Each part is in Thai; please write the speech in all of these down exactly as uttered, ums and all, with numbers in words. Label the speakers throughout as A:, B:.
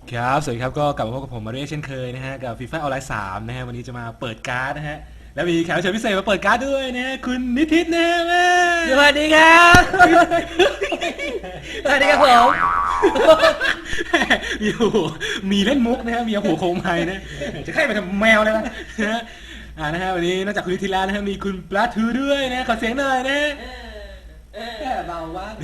A: ครับสวัสดีครับก็กลับมาพบกับผมมาเรียเช่นเคยนะฮะกับฟีฟ่าออนไลน์สามนะฮะวันนี้จะมาเปิดการ์ดนะฮะแล้วมีแขกรับเชิญพิเศษมาเปิดการ์ดด้วยนะฮะคุณนิติศนะฮะแม่
B: สวัสดีครับสวัสดีครับผม
A: มีโอ้โหมีเล่นมุกนะฮะมีหัวโคมไม้นะจะใครไปทำแมวเลยนะนะฮะอ่านะฮะวันนี้นอกจากคุณนิติศแล้วนะฮะมีคุณปลาทูด้วยนะขอเสียงหน่อยนะ
B: แค่เบามากเลย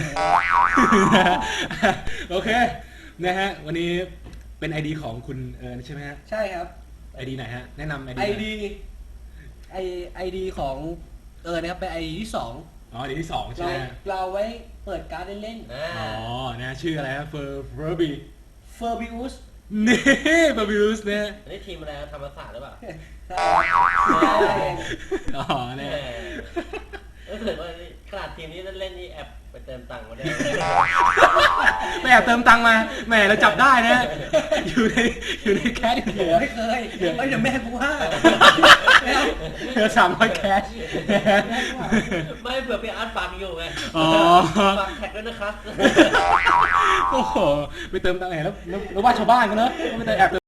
A: โอเคนะฮะวันนี้เป็น ไอ ดี ของคุณเอิญใช่ไหมฮะ
B: ใช่ครับ
A: ไอ ดี ไหนฮะแนะนำ ไอ ดี
B: ไอดีไอไอดีของเออนะครับเป็นไอดีที่สอง
A: อ๋อ ไอ ดี ที่สองใช่
B: เรา
A: ไหมฮะ
B: เราไว้เปิดการ์ดเล่น
A: อ๋อนะชื่ออะไรฮะเฟอร์เฟอร์บี
B: ๆเฟอร์บิอุส
A: นี่เฟอร์บิวส์เนี่ย
C: นี่ทีมอะไรธรรมศาสตร์หรือเปล่า
B: ใช่ใช่
A: อ๋อ
C: แหม
A: เนี่ย
C: รู้สึกว่าขนาดทีมนี้เล่นนี่แอบไปเติมตังค์มาด้วย
A: ไม่แอบเติมตังค์มาแหมเราจับได้นะอยู่ในอยู่ในแคชเดียว
B: ไม่เคยเอ้ยเดี๋ยวแม่กูว่า
A: เหลือสามร้อยแคช
C: ไม่เผื่อพี่อาร์ตฟังอยู่ไง
A: อ๋อ
C: ฝากแท็กด้วยนะครับ
A: โอ้โหไปเติมตังค์ไหนแล้วแล้วแล้วว่าชาวบ้านกันเนอะไม่ได้แอบ